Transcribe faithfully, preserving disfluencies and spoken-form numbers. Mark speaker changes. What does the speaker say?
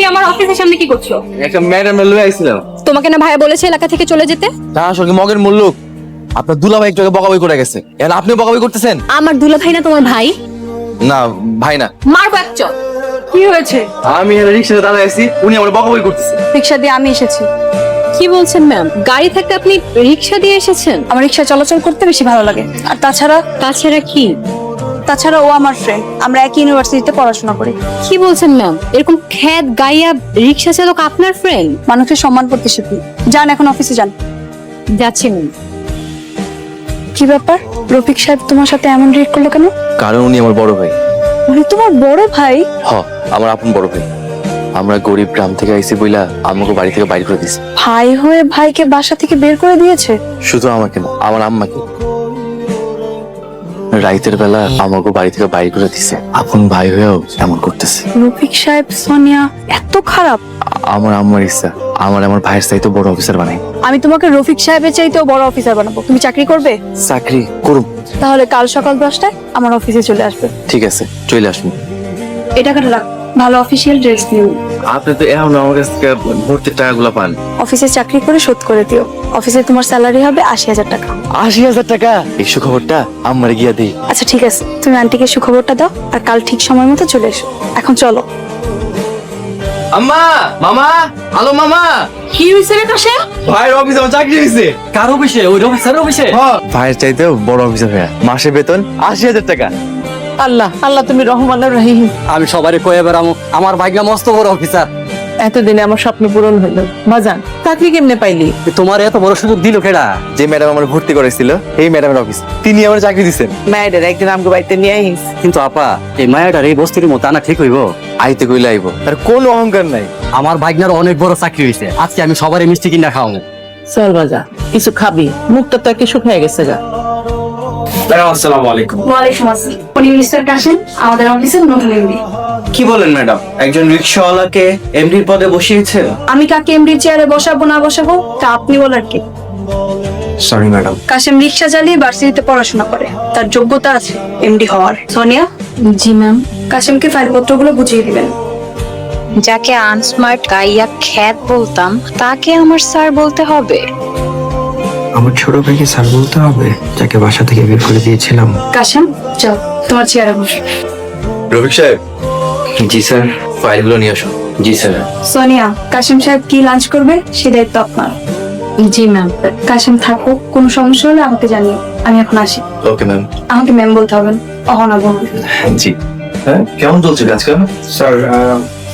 Speaker 1: আমার অফিসের সামনে কি করছো?
Speaker 2: একটা ম্যাডাম লয়ে আইছিলাম।
Speaker 1: তোমাকে না ভাইয়া বলেছে এলাকা থেকে চলে যেতে?
Speaker 2: তা আসলে মগের মূল্য আপনার দুলাভাই একটু আগে বকাবকি করে গেছে, এখন আপনিও বকাবকি করতেছেন।
Speaker 1: আমার দুলা ভাই না তোমার ভাই?
Speaker 2: না ভাই না।
Speaker 1: মারবো এক চল। কি হয়েছে?
Speaker 2: আমি রিক্সাতে দাঁড়ায় আছি, উনি আমার বকাবকি করতেছে।
Speaker 3: রিক্সা দিয়ে আমি এসেছি।
Speaker 1: কি বলছেন ম্যাম? গাড়ি থাকতে আপনি রিক্সা দিয়ে এসেছেন?
Speaker 3: আমার রিক্সা চলাচল করতে বেশি ভালো লাগে। আর তাছাড়া
Speaker 1: তাছাড়া কি?
Speaker 3: তাছাড়া ও আমার ফ্রেন্ড, আমরা একই ইউনিভার্সিটিতে পড়াশোনা করি।
Speaker 1: কি বলছেন ম্যাম? এরকম খ্যাত গাইয়া রিক্সা চালক আপনার ফ্রেন্ড?
Speaker 3: মানুষের সম্মান করতে শিখি। যান এখন অফিসে যান।
Speaker 1: যাচ্ছি ম্যাম।
Speaker 3: কি ব্যাপার, রফিক সাহেব তোমার সাথে এমন রিয়েক্ট করলো কেন?
Speaker 2: কারণ উনি আমার বড় ভাই।
Speaker 3: উনি তোমার বড় ভাই?
Speaker 2: হ, আমার আপন বড় ভাই। আমরা গরিব গ্রাম থেকে আইছি বইলা আমাকে বাড়ি থেকে বাইর করে দিছে।
Speaker 3: ভাই হয়ে ভাইকে বাসা থেকে বের করে দিয়েছে?
Speaker 2: শুধু আমাকে না, আমার আম্মাকে। রাইতের বেলা আমাকে বাড়ি থেকে বাইর করে দিছে, আপন ভাই হয়েও এমন করতেছে।
Speaker 3: রফিক সাহেব সোনিয়া এত খারাপ?
Speaker 2: আমার আম্মার ইচ্ছা আমার আমার ভাইয়ের চাইতে বড় অফিসার বানাই।
Speaker 3: আমি তোমাকে রফিক সাহেবের চাইতেও বড় অফিসার বানাবো। তুমি চাকরি করবে?
Speaker 2: চাকরি করব।
Speaker 3: তাহলে কাল সকাল দশটায় আমার অফিসে চলে আসবে।
Speaker 2: ঠিক আছে, চলে আসবো।
Speaker 3: এই টাকাটা রাখ, ভালো অফিসিয়াল ড্রেস দিও।
Speaker 2: আপনি তো এখন আমার কাছ থেকে ভর্তির টাকাগুলো পান।
Speaker 3: অফিসে চাকরি করে শোধ করে দিও। অফিসে তোমার স্যালারি হবে আশি হাজার টাকা।
Speaker 2: আশি হাজার টাকা? এই সুখবরটা আমার গিয়া দিই।
Speaker 3: আচ্ছা ঠিক আছে, তুমি আন্টিকে সুখবরটা দাও আর কাল ঠিক সময় মতো চলে এসো। এখন চলো।
Speaker 2: আম্মা, মামা, হ্যালো মামা।
Speaker 1: কি হয়েছে রে কাশেম?
Speaker 2: ভাইয়ের অফিসে আমার চাকরি হয়েছে।
Speaker 4: কার অফিসে? ওই অফিসারের অফিসে?
Speaker 2: ভাইয়ের চাইতেও বড় অফিসার ভাইয়া, মাসে বেতন আশি হাজার টাকা।
Speaker 5: আল্লাহ আল্লাহ তুমি রহমান রহিম।
Speaker 4: আমি সবারই কয়ে বেড়ামো আমার ভাগ্য মস্ত বড় অফিসার।
Speaker 5: এতদিনে আমার স্বপ্ন পূরণ হইল। বাজান চাকরি কেমনে পাইলি?
Speaker 4: তোমার এত বড় সুযোগ দিল কেডা?
Speaker 2: যে ম্যাডাম আমার ভর্তি করেছিল এই ম্যাডামের অফিস, তিনি আমার চাকরি দিচ্ছেন।
Speaker 5: মায়েদের একদিন আমগো বাড়িতে নিয়ে আইস।
Speaker 4: কিন্তু আপা এই মায়াটার এই বস্তির মতো আনা ঠিক হইব?
Speaker 2: আইতে কইলে আইব, তার কোনো অহংকার নাই।
Speaker 4: আমার ভাগ্নার অনেক বড় চাকরি হয়েছে, আজকে আমি সবারই মিষ্টি কিনা খাওয়াবো।
Speaker 5: চল বাজা, কিছু খাবি, মুখটা তো একে শুকিয়ে গেছে গা।
Speaker 2: আসসালামু আলাইকুম।
Speaker 3: ওয়ালাইকুম আসসালাম। উনি মিস্টার কাশেম, আমাদের অফিসের নতুন এমডি।
Speaker 6: কি বলেন ম্যাডাম, একজন রিকশাওয়ালাকে এমডির পদে বসিয়েছে?
Speaker 3: আমি কাকে এমডির চেয়ারে বসাবো না বসাবো তা আপনি বলার কি?
Speaker 6: Sorry madam.
Speaker 3: কাশেম রিক্সা চালিয়ে ভার্সিটিতে পড়াশোনা করে, তার যোগ্যতা আছে এমডি হওয়ার। সোনিয়া,
Speaker 1: জি ম্যাম।
Speaker 3: কাশেমকে ফাইলপত্রগুলো বুঝিয়ে দিবেন।
Speaker 7: যাকে আনস্মার্ট গাইয়া খ্যাত বলতাম তাকে আমার স্যার বলতে হবে?
Speaker 6: আমার ছোট ভাইকে স্যার বলতে হবে, যাকে বাসা থেকে বের করে দিয়েছিলাম?
Speaker 3: কাশেম চল তোমার চেয়ারে বসো।
Speaker 2: রফিক সাহেব। জি স্যার। ফাইলগুলো নিয়ে আসুন। জি স্যার।
Speaker 3: সোনিয়া, কাশেম সাহেব কি লাঞ্চ করবে সে দায়িত্ব আপনার।
Speaker 1: জি ম্যাম।
Speaker 3: কাশেম থাকো, কোনো সমস্যা হলে আমাকে জানিও। আমি এখন আসি।
Speaker 2: Okay ma'am.
Speaker 3: আমাকে ম্যাম বলতে হবে না, অহনা বলুন।
Speaker 2: জি। হ্যাঁ, কেমন চলছে কাজকাম?
Speaker 6: স্যার